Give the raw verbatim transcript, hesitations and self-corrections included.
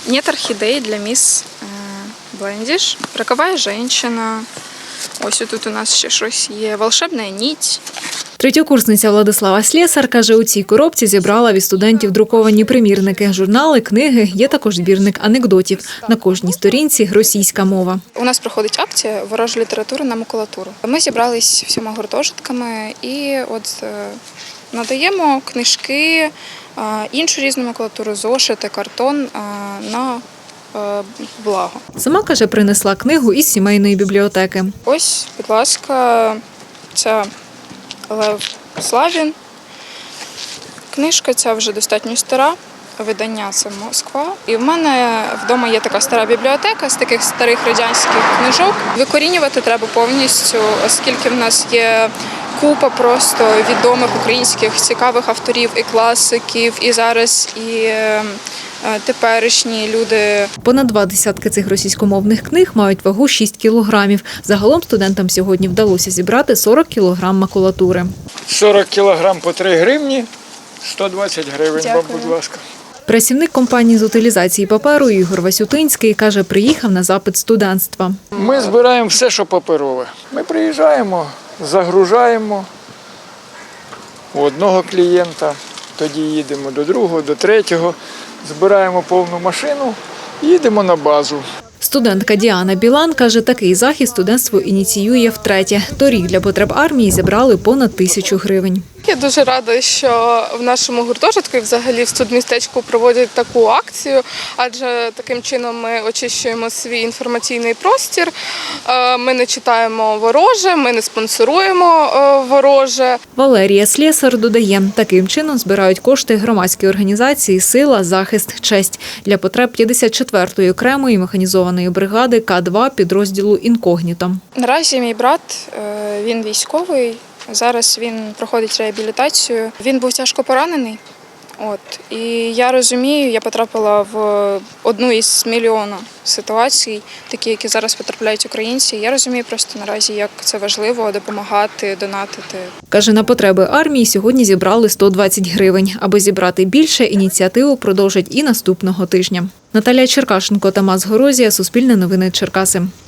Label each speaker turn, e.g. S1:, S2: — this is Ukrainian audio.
S1: Нет орхидей для міс Блендіш. Роковая женщина. Ось тут у нас ще щось є. Волшебна нить.
S2: Третьокурсниця Владислава Слєсар каже, у цій коробці зібрала від студентів друковані примірники, журнали, книги, є також збірник анекдотів. На кожній сторінці російська мова.
S1: У нас проходить акція «Ворожа література на макулатуру». Ми зібрались всіма гуртожитками і от надаємо книжки, іншу різну макулатуру, зошити, картон на благо.
S2: Сама, каже, принесла книгу із сімейної бібліотеки.
S1: Ось, будь ласка, ця Лев Славін. Книжка ця вже достатньо стара, видання це Москва. І в мене вдома є така стара бібліотека з таких старих радянських книжок. Викорінювати треба повністю, оскільки в нас є купа просто відомих українських цікавих авторів і класиків, і зараз і теперішні люди.
S2: Понад два десятки цих російськомовних книг мають вагу шість кілограмів. Загалом студентам сьогодні вдалося зібрати сорок кілограм макулатури.
S3: сорок кілограм по три гривні, сто двадцять гривень, вам, будь ласка.
S2: Працівник компанії з утилізації паперу Ігор Васютинський каже, приїхав на запит студентства.
S3: Ми збираємо все, що паперове. Ми приїжджаємо, загружаємо у одного клієнта, тоді їдемо до другого, до третього, збираємо повну машину, їдемо на базу.
S2: Студентка Діана Білан каже, такий захід студентство ініціює втретє. Торік для потреб армії зібрали понад тисячу гривень.
S4: Я дуже рада, що в нашому гуртожитку і взагалі в студмістечку проводять таку акцію, адже таким чином ми очищуємо свій інформаційний простір, ми не читаємо вороже, ми не спонсоруємо вороже.
S2: Валерія Слєсар додає, таким чином збирають кошти громадської організації «Сила, захист, честь» для потреб п'ятдесят четвертої окремої механізованої бригади К два підрозділу «Інкогніто».
S1: Наразі мій брат, він військовий. Зараз він проходить реабілітацію. Він був тяжко поранений. От. І я розумію, я потрапила в одну із мільйона ситуацій, такі, які зараз потрапляють українці. Я розумію просто наразі, як це важливо допомагати, донатити.
S2: Каже, на потреби армії сьогодні зібрали сто двадцять гривень. Аби зібрати більше, ініціативу продовжать і наступного тижня. Наталія Черкашенко, Тамас Горозія, Суспільне новини Черкаси.